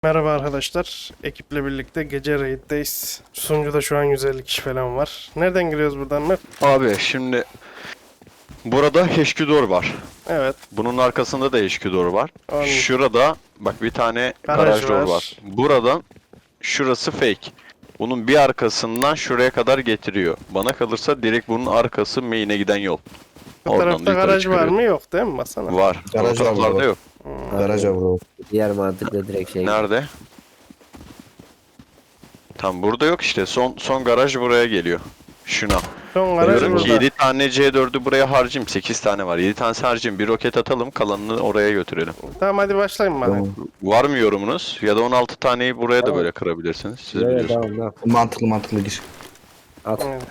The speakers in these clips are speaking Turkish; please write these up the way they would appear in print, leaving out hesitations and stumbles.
Merhaba arkadaşlar. Ekiple birlikte gece raid'deyiz. Sunucuda şu an 150 kişi falan var. Nereden giriyoruz buradan mı? Abi şimdi burada HQ var. Evet. Bunun arkasında da HQ var. On Şurada bak bir tane garaj garaj door var. var. Buradan şurası fake. Bunun bir arkasından şuraya kadar getiriyor. Bana kalırsa direkt bunun arkası main'e giden yol. Bu Oradan tarafta da yukarı garaj var çıkıyor. mı? Yok değil mi Masana? Var. O Garaj var taraflarda burada. yok. Garaj var burada. Diğer mantıkla direkt şey. Nerede? Tam burada yok işte. Son garaj buraya geliyor. Şuna. Son garaj Diyorum ki burada. 7 tane C4'ü buraya harcayayım. 8 tane var. 7 tanesi harcayayım. Bir roket atalım. Kalanını oraya götürelim. Tamam hadi başlayın bana. Tamam. Var mı yorumunuz? Ya da 16 taneyi buraya da Tamam. böyle kırabilirsiniz. Siz Evet, biliyorsunuz. tamam, tamam. Mantıklı gir. At. Evet.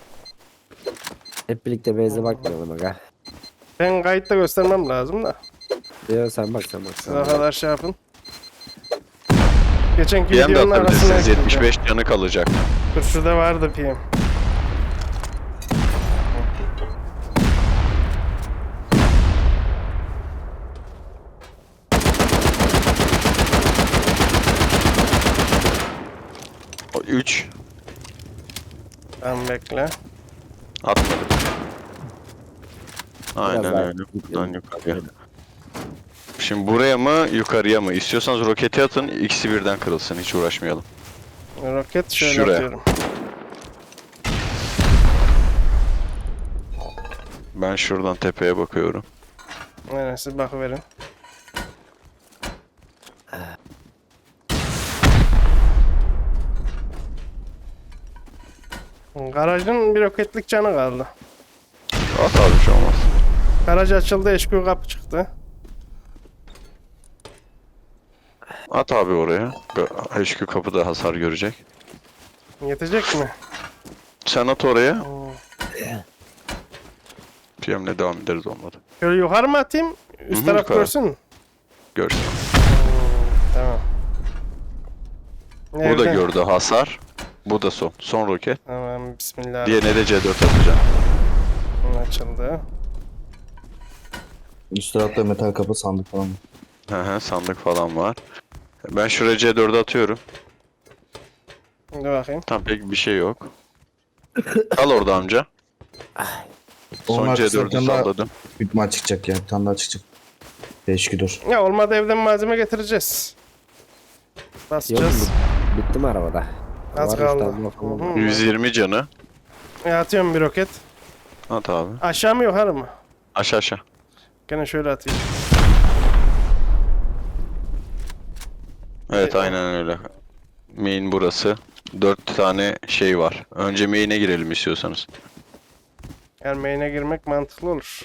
Hep birlikte beze bakmayalım aga. Ben kayıtta göstermem lazım da. Diyor sen bak. Siz o kadar şey yapın. Geçenki PM de videonun arasına atabilirsiniz. ekleyeceğim. 75 canı kalacak. Dur şurada vardı PM. O 3 Tamam bekle. atmadım. Aynen Biraz daha öyle. Buradan gidiyorum. yukarıya. Şimdi buraya mı yukarıya mı? İstiyorsanız roketi atın. İkisi birden kırılsın. Hiç uğraşmayalım. Roket şöyle Şuraya. atıyorum. Ben şuradan tepeye bakıyorum. Aynen siz bakıverin. Garajın bir roketlik canı kaldı. At abi bir şey olmaz. Garaj açıldı, HQ kapı çıktı. At abi oraya. HQ kapıda hasar görecek. Yetecek mi? Sen at oraya. Oo. PM'le devam ederiz olmadı. Şöyle yukarı mı atayım? Üst Hı hı, taraf yukarı. görsün. Görsün. Tamam. Bu da Nerede? gördü hasar. Bu da son. Son roket. Tamam, bismillah. Diğerine de C4 atacağım. Açıldı. Üst tarafta metal kapı sandık falan. Hı hı, sandık falan var. Ben şuraya C4'ü atıyorum. Dur bakayım. Tam pek bir şey yok. Kal orada amca. Son Onun arkasından bir C4'ü tane daha salladım. büyük maç çıkacak ya. Bir tane daha çıkacak. Değişik dur. Ya olmadı evden malzeme getireceğiz. Yok Basacağız. bitti mi arabada? Az Var, kaldı. üstten bakalım. Hı hı. 120 canı. Atıyorum bir roket. At abi. Aşağı mı yukarı mı? Aşağı aşağı. Gene şöyle atayım. Evet aynen öyle. Main burası. 4 tane şey var. Önce main'e girelim istiyorsanız. Yani main'e girmek mantıklı olur.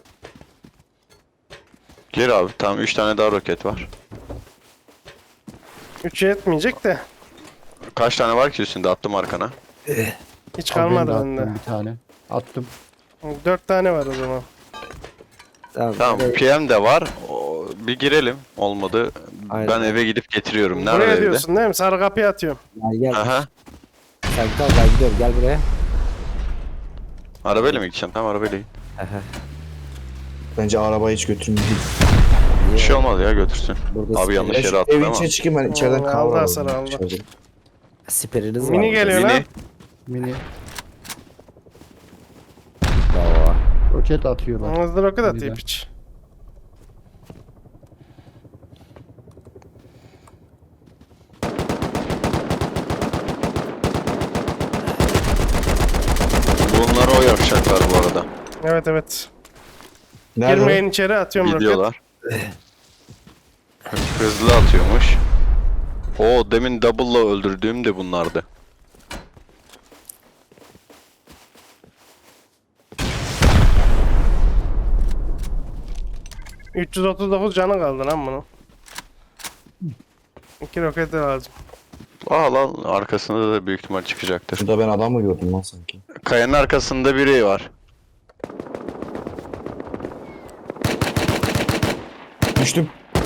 Gir abi. Tamam 3 tane daha roket var. 3'e yetmeyecek de. Kaç tane var ki üstünde? Attım arkana. Hiç Abi ben de kalmadı attım bende. bir tane. Attım. 4 tane var o zaman. Tamam. Tamam hadi. PM de var. Bir girelim. Olmadı. Aynen. Ben eve gidip getiriyorum. Nerede Buraya evde? diyorsun değil mi? Sarı kapıya atıyorum. Gel. Aha. Sen kal ben gidiyorum gel buraya. Arabayla mı gideceğim? Tamam arabayla git. Aha. Bence arabayı hiç götürmeyin. Bir şey olmaz ya götürsün. Burada Abi yanlış yere attın Evin ama. içine çıkayım ben içeriden Aldı kahve hasar, alayım. aldı. içeride. Siperiniz var. Mini burada. geliyor lan. Mini. Mini Bravo. roket atıyorlar. Hızlı roket atayım Güzel. hiç. Bunları o yapacaklar bu arada. Evet evet. Nerede? Girmeyin içeri atıyorum roket. Gidiyorlar. Hızlı atıyormuş. O demin double'la öldürdüğüm de bunlardı. o? 339 canı kaldı lan bunun. 2 roket lazım. Aa lan arkasında da büyük ihtimal çıkacaktır. Şurada ben adam mı gördüm lan sanki? Kayanın arkasında biri var. Düştüm.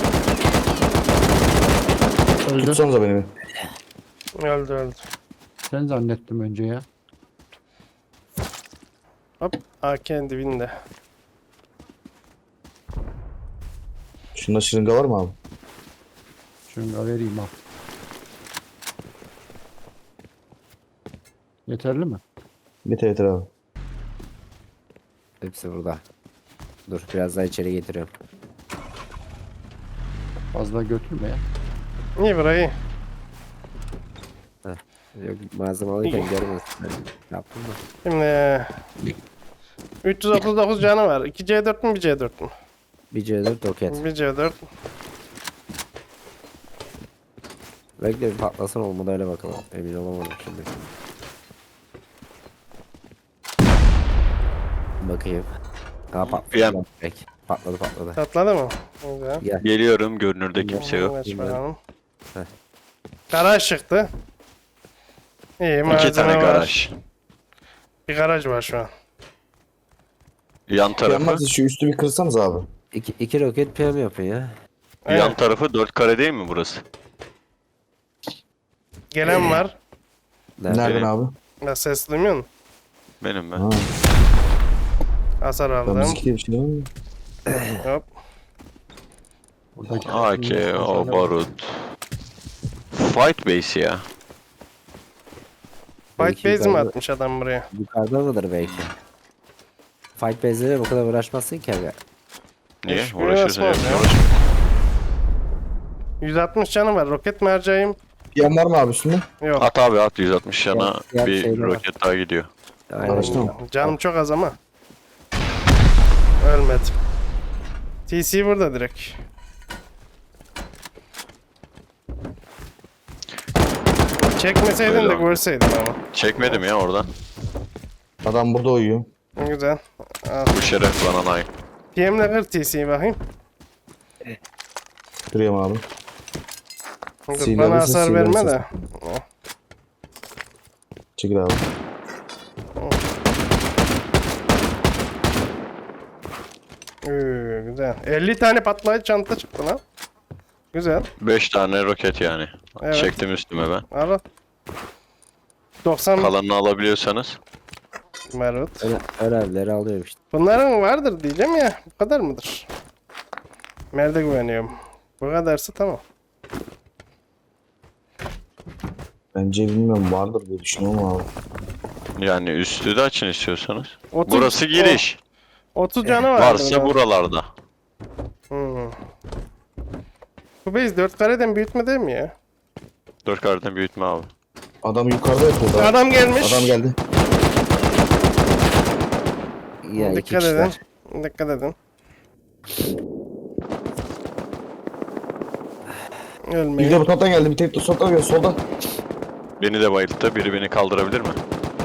Öldü. Tutsanıza beni bir. Öldü öldü. Sen zannettim önce ya. Hop. AK dibinde. Şunda şırınga var mı abi? Şunu vereyim al. Yeterli mi? Yeter yeter abi. Hepsi burada. Dur biraz daha içeri getiriyorum. Fazla götürme ya. İyi burayı. Yok malzeme alırken görmesin. Yaptım mı? Şimdi 339 canı var. 2 C4 mü bir C4 mü? Bir C4 roket. Bir C4. Bekle bir patlasın olmadı öyle bakalım. Emin olamadım şimdi. Bakayım. Ha PM. patladı. Peki. Patladı. Patladı mı? Güzel. Gel. Geliyorum, görünürde kimse yok. Aç bakalım. Heh. Garaj çıktı. İyi İki malzeme tane var. garaj. Bir garaj var şu an. Yan tarafı, Yanmaz şu üstü bir kırsanız abi. İki roket PM yapın ya. Evet. yan tarafı 4 kare değil mi burası? Gelen var. Nereden Benim. abi? Ya ses duymuyor musun? Benim ben. Ha, Hasar ben aldım. müzik diye bir şey değil mi? Hop. Buradaki AK, o barut. Fight base ya. Fight Belki base mi yukarıda- atmış adam buraya? Yukarıda mıdır belki? Fight base'lere bu kadar uğraşmazsın ki abi. Niye? Hoş Uğraşıyorsun biraz hep var ya. uğraş. 160 canı var. Roket mi harcayayım? PM var mı abi üstünde? Yok. At abi at 160 yana Diğer bir şeyler var. roket daha gidiyor. Aynen. Araçta mı? Canım çok az ama. Ölmedim. TC burada direkt. Çekmeseydin Öyle de abi. görseydin ama. Çekmedim ya oradan. Adam burada uyuyor. Güzel. Al. Bu şeref bana layık. PM'le kır TC'yi bakayım. Duruyorum abi. Dur, Sinirli bana misin, hasar sinirli verme misin? de. Çekil abi. Güzel. 50 tane patlayıcı çanta çıktı lan. Güzel. 5 tane roket yani. Evet. Çektim üstüme ben. Al. 90 Kalanını alabiliyorsanız. marut. Öğrencileri alıyorum işte. Bunların vardır diyeceğim ya. Bu kadar mıdır? Nerede güveniyorum? Bu kadarsa tamam. Bence bilmiyorum vardır diye düşünüyorum abi. Yani üstü de açın istiyorsanız. 30 Burası giriş. 30 canı var. Varsa buralarda. Bu base 4 kareden büyütme değil mi ya? 4 kareden büyütme abi. Adam yukarıda yatıyordu abi. Adam gelmiş. Adam geldi. Ya iki Dikkat edin. kişiler. Dikkat edin. Bir Ölmeyin. de bu taraftan geldi. Bir tek de soldan geldi. Soldan. Beni de bayılttı. Biri beni kaldırabilir mi?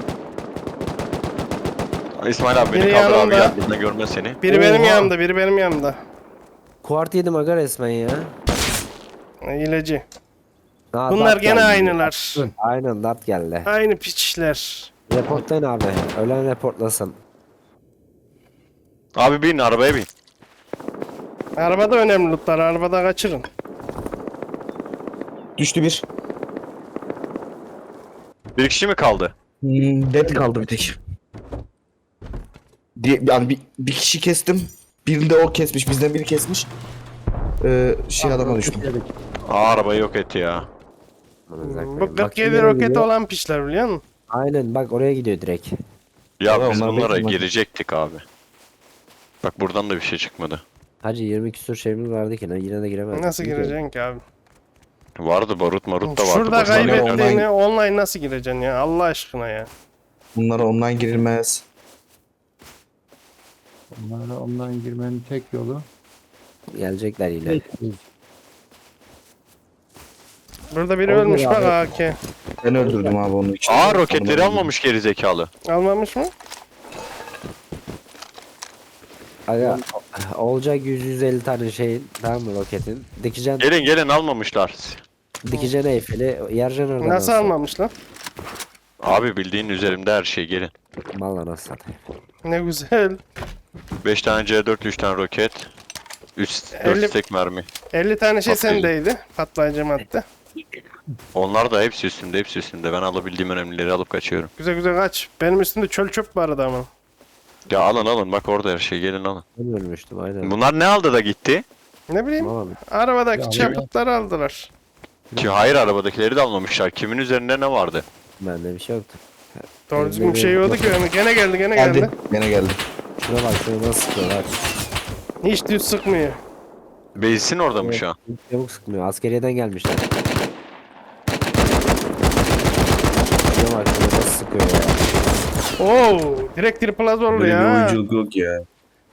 İsmail abi beni Biri kaldır abi yanımda. gel. Bizden görmez seni. Biri benim Oha. yanımda, biri benim yanımda. Kuart yedim aga resmen ya. İlacı. Ha, Bunlar dart gene geldi. aynılar. Aynen dart geldi. Aynı piçler. Reportlayın abi. Ölen reportlasın. Abi bin arabaya bin. Arabada önemli lootlar, arabada kaçırın. Düştü bir. Bir kişi mi kaldı? Dead kaldı bir tek. Yani bir kişi kestim. Birini de o kesmiş. Bizden biri kesmiş. Adama düştüm. Yedik. Arabayı yok etti ya. Bu 47 roketi olan piçler biliyor musun? Aynen bak oraya gidiyor direkt. Ya Abi biz onlar bunlara bekliyor. girecektik abi. Bak buradan da bir şey çıkmadı. Hacı 20 küsur şeyimiz vardı ki yine de giremezdik. Nasıl gireceksin ki abi? Vardı barut marut da vardı. Şurada Boşuna kaybettik. oynayan- kaybettiğini online nasıl gireceksin ya? Allah aşkına ya. Bunlara online girilmez. Onlara ondan girmenin tek yolu Gelecekler yine. Burada biri Oldu ölmüş ya bak abi. AK. Ben öldürdüm abi onun için. Aa roketleri almamış geri zekalı. Almamış mı? Aga olacak 100-150 tane şeyin tamam mı roketin. Dikeceksin, Gelin almamışlar. dikeceksin Eyfel'i yaracaksın oradan. Nasıl nasıl? almamış lan? Abi bildiğin üzerimde her şey gelin. Valla nasıl satayım. Ne güzel. 5 tane C4 3 tane roket. 4 50 stek mermi. 50 tane şey Patlayıcı. sendeydi. Patlayıcı madde. Onlar da hepsi üstümde. Ben alabildiğim önemlileri alıp kaçıyorum. Güzel güzel kaç. Benim üstümde çöl çöp var adamın. Ya alın bak orada her şey gelin alın. Ben ölmüştüm aynen. Bunlar ne aldı da gitti? Ne bileyim. Tamam. Arabadaki Ya, çöpleri aldılar. Ki hayır, arabadakileri de almamışlar. Kimin üzerinde ne vardı? Bende bir şey yoktu. Doğru düzgün bir şey yoktu ki. Gene geldi gene Geldi. geldi. Gene geldi. Şuna bak, şuna nasıl sıkıyor bak. Hiç düz sıkmıyor. Base'in orada mı şu an? Çabuk sıkmıyor. Askeriyeden gelmişler. Şuna bak, şuna nasıl sıkıyor ya. Oo, direkt triple az oldu Böyle bir ya. oyunculuk yok ya.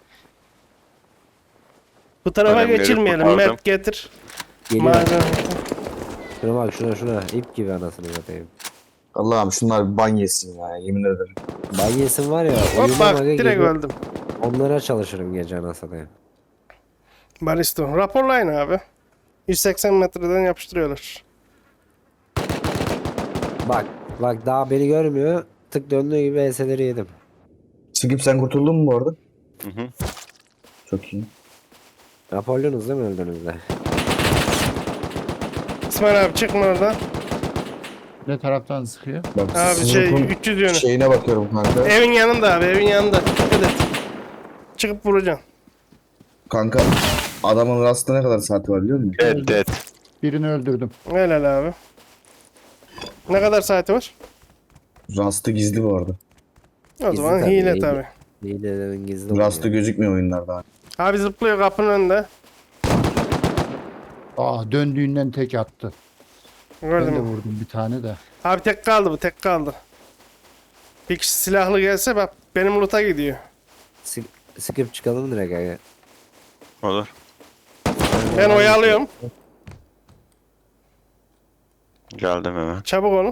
Bu tarafa Önemleri geçilmeyelim. kurtardım. Mert getir. Geliyor. Malzeme. Şuna bak, şuna. İp gibi anasını satayım. Allah'ım şunlar bir ban yesin ya, yemin ederim. Banyesim var ya. Hop uyumam bak aga, direkt gece öldüm. onlara çalışırım gece anasını satayım. Baristo. Raporlayın abi. 180 metreden yapıştırıyorlar. Bak daha beni görmüyor. Tık döndüğü gibi ES'leri yedim. Skip sen kurtuldun mu bu arada? Hı hı. Çok iyi. Napolyonuz değil mi öldüğünüzde? İsmail abi çıkma oradan. Ne taraftan sıkıyor? Bak, Abi Snoop'un 300 yönü. şeyine bakıyorum kanka. Evin yanında abi evin yanında. Dikkat et. Çıkıp vuracaksın. Kanka adamın rastında ne kadar saati var biliyor musun? Dead. Birini öldürdüm. Helal abi. Ne kadar saati var? Rastı gizli bu arada. O Gizli zaman tabii, hile hile. tabi. Hilelerin gizli Rastı oluyor. gözükmüyor oyunlarda. Abi zıplıyor kapının önünde. Döndüğünden tek attı. Ben Gördün de mü? vurdum bir tane de. Abi tek kaldı bu tek kaldı. Bir kişi silahlı gelse bak benim loot'a gidiyor. Sıkıp çıkalım direkt aga. Olur. Ben oyalıyorum. Geldim hemen. Çabuk olun.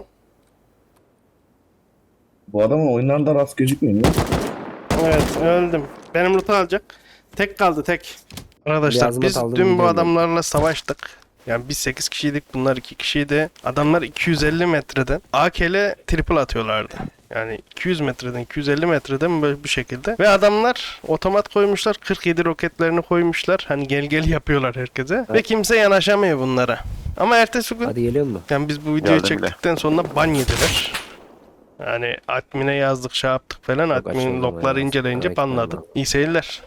Bu adamın oyunlarında rast gözükmüyor mu? Evet öldüm. Benim loot'u alacak. Tek kaldı tek. Arkadaşlar Biraz biz not aldım, dün bu biliyorum ben. adamlarla savaştık. Yani biz 8 kişiydik bunlar 2 kişiydi. Adamlar 250 metreden AK'le triple atıyorlardı. Yani 200 metreden 250 metreden böyle bir şekilde. Ve adamlar otomat koymuşlar. 47 roketlerini koymuşlar. Hani gel yapıyorlar herkese. Ve kimse yanaşamıyor bunlara. Ama ertesi gün Hadi geliyor mu? yani biz bu videoyu Geldim bile. çektikten sonra ban yediler. Yani admin'e yazdık şey yaptık falan. Çok Admin açıldı logları ama inceleyince ya. banladı. Ekrandan. İyi seyirler.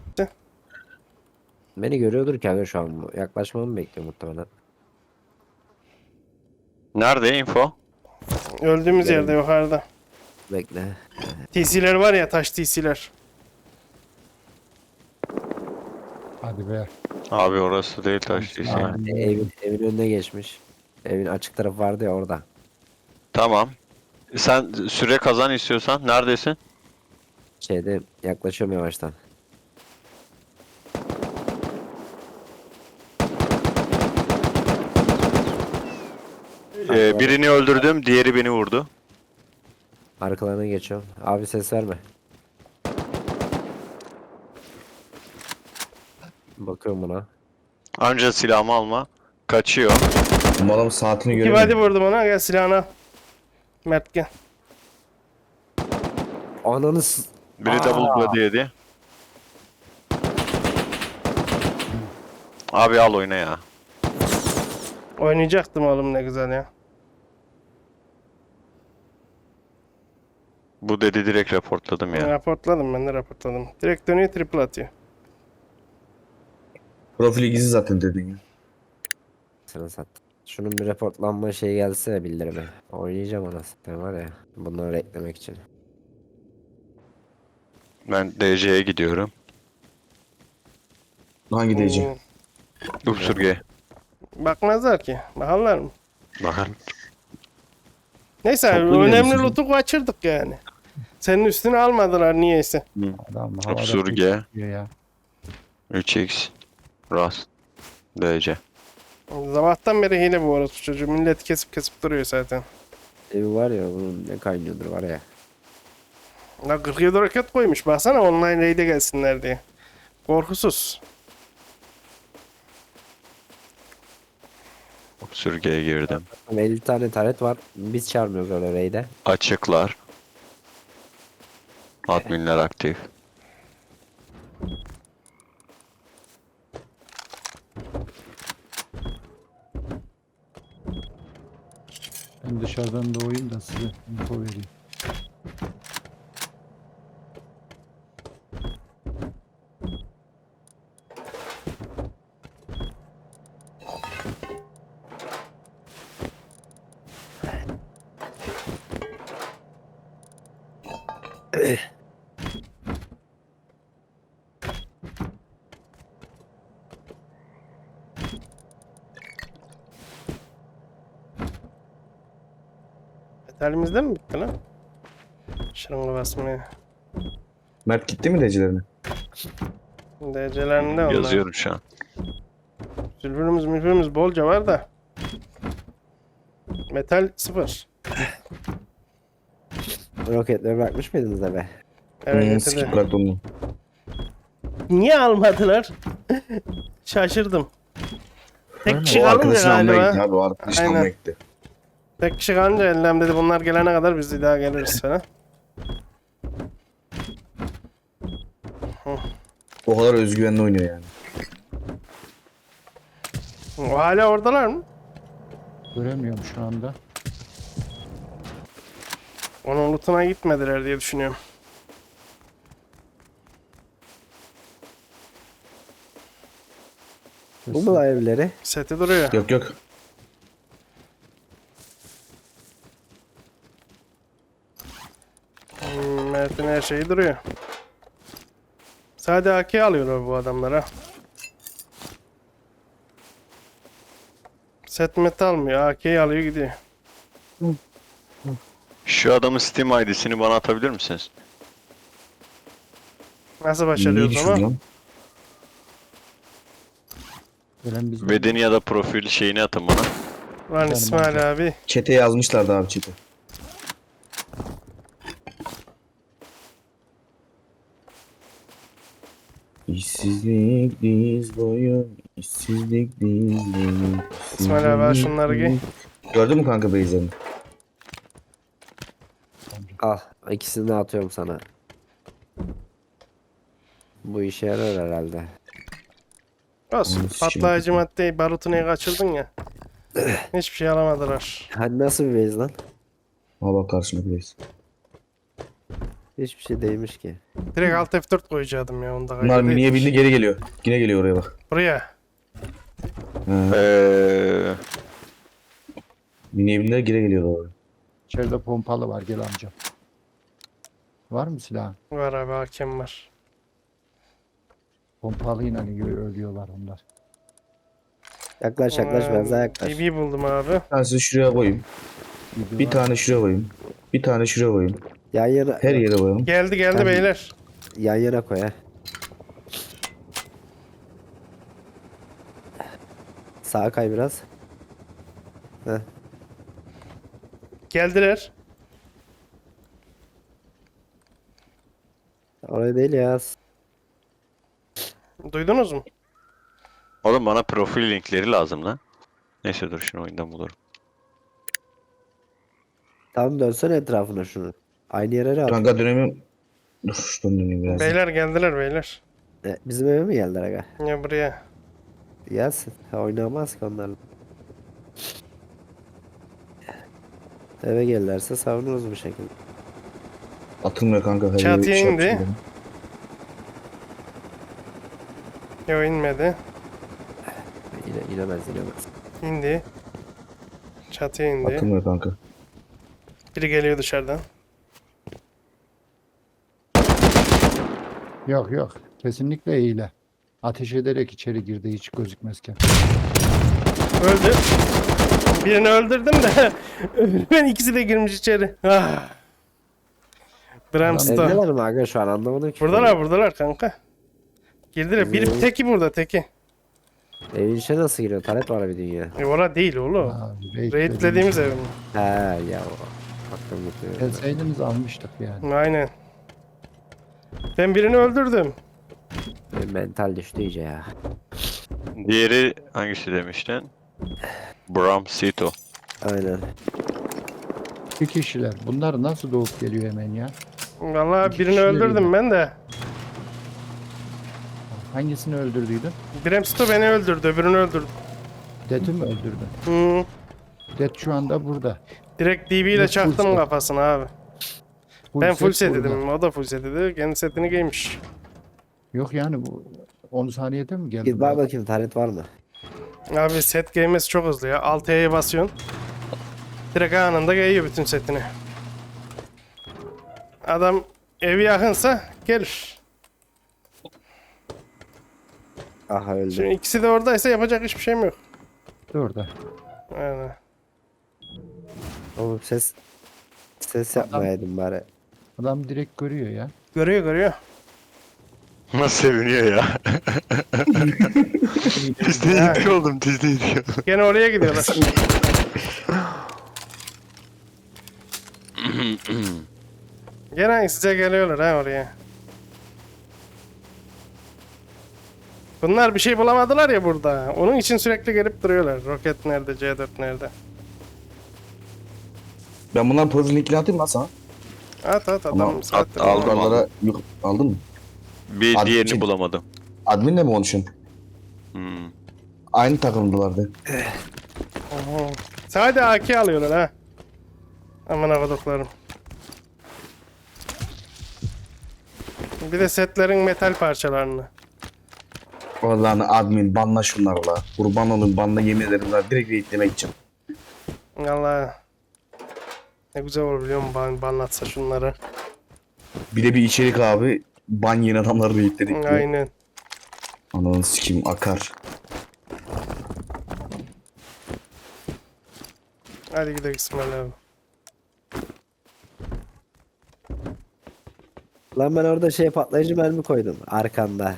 Beni görüyordur ki aga şu an bu. Yaklaşmamı bekliyor muhtemelen. Nerede info? Öldüğümüz Gelin. yerde yukarıda. Bekle. TC'ler var ya taş TC'ler. Hadi be. Abi orası değil taş değil. Aa. Evin önüne geçmiş. Evin açık tarafı vardı ya orada. Tamam. Sen süre kazan istiyorsan neredesin? Şeyde yaklaşıyorum yavaştan. Birini öldürdüm, diğeri beni vurdu. Arkalarına geçiyorum. Abi ses verme. Bakıyorum buna. Anca silahımı alma. Kaçıyor. Bu adamın saatini İki göremiyorum. body vurdum ona gel silahını al. Mert gel. Ananı Biri double body yedi. Abi al oyna ya. Oynayacaktım oğlum ne güzel ya. Bu dedi direkt raportladım ya. Raportladım ben de raportladım. Direkt dönüyor triple atıyor. Profili gizli zaten dedin ya. Sana sattım. Şunun bir reportlanma şeyi gelse bildirime. Oynayacağım anasını var ya. Bunları eklemek için. Ben DC'ye gidiyorum. Hangi DC? Upsurge. Bakmazlar ki. Bakarlar mı? Bakın. Neyse abi, Toplu önemli gelmişsin. loot'u kaçırdık yani. Senin üstüne almadılar niyeyse. Adam havada Upsurge. tutuyor ya. 3x. Rast. DC. Sabahtan beri hile bu arada çocuğu. Millet kesip duruyor zaten. Evi var ya bunun ne kaynıyordur var ya. Ya 47 roket koymuş. Baksana online raid'e gelsinler diye. Korkusuz. Upsurge'ye girdim. 50 tane taret var. Biz çağırmıyoruz öyle raid'e. Açıklar. Adminler aktif. Ben dışarıdan doğayım da size info vereyim. Metalimizden mi bitti lan? Şırınga basmaya. Mert gitti mi DC'lerine? DC'lerinde onlar. Yazıyorum şu an. Zülfürümüz bolca var da. Metal 0. Roketleri bırakmış mıydınız eve? Evet Skip getirdi. bıraktı onu. Niye almadılar? Şaşırdım. Tek kişi O kalınca arkadaşını almaya gitti galiba. abi. O arkadaşını Aynen. almaya gitti. Tek kişi kalınca ellem dedi bunlar gelene kadar biz de daha geliriz falan. O kadar özgüvenli oynuyor yani. O hala oradalar mı? Göremiyorum şu anda. Onun lootuna gitmediler diye düşünüyorum. Bu mu lan evleri? Seti duruyor. Yok yok. Mert'in her şeyi duruyor. Sadece AK alıyorlar bu adamlara. Set met almıyor. AK'yi alıyor gidiyor. Şu adamın Steam ID'sini bana atabilir misiniz? Nasıl Niye başarıyoruz düşürdün ama? lan? Gelen biz Bedeni ya da profil şeyini atın bana. Lan İsmail abi. Çete yazmışlardı abi çete. İşsizlik diz boyu, işsizlik diz boyu. İsmail abi al şunları giy. Gördün mü kanka Beyza'nı? Al. İkisini de atıyorum sana. Bu işe yarar herhalde. Olsun. Onu sikeyim. Patlayıcı maddeyi barutunu kaçırdın ya. Hiçbir şey alamadılar. Hadi nasıl bir base lan? Al bak karşımda Beyza. Hiçbir şey değilmiş ki. Direkt alt F4 koyacaktım ya onda. Bunlar miniye bindi geri geliyor. Yine geliyor oraya bak. Buraya. He. Miniye bindiler geri geliyorlar oraya. içeride pompalı var, gel amca. Var mı silah? Var abi hakem var. Pompalıyla ölüyorlar onlar. Yaklaş yaklaş benzer yaklaş. DB buldum abi. Bir tanesini şuraya koyayım. Biri Bir var. tane şuraya koyayım. Bir tane şuraya koyayım. Yan yana, Her yere koyalım. Geldi Ben- beyler. yan yana koy ha. Sağa kay biraz. Heh. Geldiler. Oraya değil ya. Duydunuz mu? Oğlum bana profil linkleri lazım lan. Neyse dur şunu oyundan bulurum. Tam dönsene etrafına şunu. Aynı yere at. Kanka dönemiyorum. Dur şuradan döneyim biraz. Beyler geldiler beyler. Bizim eve mi geldiler aga? Ya buraya. Gelsin. Ha, oynamaz ki onlarla. Eve gelirlerse savunuruz bu şekilde. Atılmıyor kanka. Her Çatıya yere indi. yapacağım. Yo inmedi. Yine inemez inemez. İndi. Çatıya indi. Atılmıyor kanka. Biri geliyor dışarıdan. Yok yok. Kesinlikle hile. Ateş ederek içeri girdi hiç gözükmezken. Öldü. Birini öldürdüm de ben ikisi de girmiş içeri. Ah. Bramstone. Evdeler mi aga şu an anlamadım ki. Buradalar kanka. Girdiler. Bir teki burada teki. Evin içine nasıl giriyor? Taret var bir dünya. Ora değil oğlum. Abi, Raidlediğimiz ev mi? He ya o. Aklım gitti. Gelseydiniz almıştık yani. Aynen. Ben birini öldürdüm. Benim mental düştü iyice ya. Diğeri hangisi demiştin? Bram Sito. Aynen. İki kişiler. Bunlar nasıl doğup geliyor hemen ya? Vallahi İki birini kişiler öldürdüm yine. ben de. Hangisini öldürdüydün? Bramsto beni öldürdü, öbürünü öldürdü. Dead'i mi öldürdün? Hı. Dead şu anda burada. Direkt DB ile Yok, full çaktım set. kafasına abi. Ben full set burada. dedim, o da full set dedi. Kendi setini giymiş. Yok yani bu 10 saniyede mi geldi? Git bak bakayım taret var mı? Abi set giymesi çok hızlı ya. Alt E'ye basıyorsun. Direkt anında giyiyor bütün setini. Adam Evi yakınsa gelir. Aha öldü. Şimdi ikisi de oradaysa yapacak hiçbir şeyim yok. Dur da. Aynen. Oğlum ses yapmayaydın bari. Adam direkt görüyor ya. Görüyor görüyor. Nasıl seviniyor ya. Disney oldum Disney diyor. Gene oraya gidiyorlar. Gene size geliyorlar ha oraya. Bunlar bir şey bulamadılar ya burada. Onun için sürekli gelip duruyorlar. Roket nerede, C4 nerede? Ben bunların profil linkini atayım lan sana. At at adam Tamam, saattir. at, aldım. Yukarılara aldın mı? Bir Abi, diğerini şey- bulamadım. Adminle mi konuşuyorsun? Hmm. Aynı takımdılardı. Oho. Sadece AK alıyorlar ha. Aman avuduklarım. Bir de setlerin metal parçalarını. Vallahi admin banla şunlarla. Kurban olun banla yemin ederim lan direkt raidlemek için. Allah. Ne güzel olur biliyor musun banlatsa şunları. Bir de bir içerik abi. Ban yeni adamları raidledik diyor. Aynen. Ananı sikeyim akar. Hadi gidelim İsmail abi. Lan ben orada patlayıcı mermi koydum arkanda.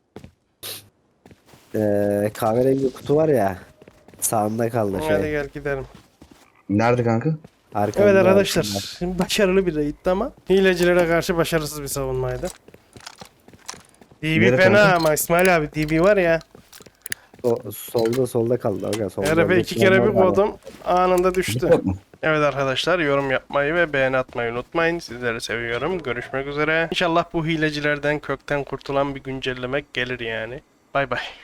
Kahverengi kutu var ya. Sağında kaldı Hadi gel gidelim. Nerede kanka? Arkanda, Evet arkadaşlar. arkanda. Şimdi başarılı bir raiddi ama hilecilere karşı başarısız bir savunmaydı. DB Nereye fena kanka? ama İsmail abi DB var ya. Solda kaldı. Aga, solda Herife bir 2 kere bir var. kodum anında düştü. Yok mu? Evet arkadaşlar yorum yapmayı ve beğeni atmayı unutmayın. Sizleri seviyorum. Görüşmek üzere. İnşallah bu hilecilerden kökten kurtulan bir güncelleme gelir yani. Bay bay.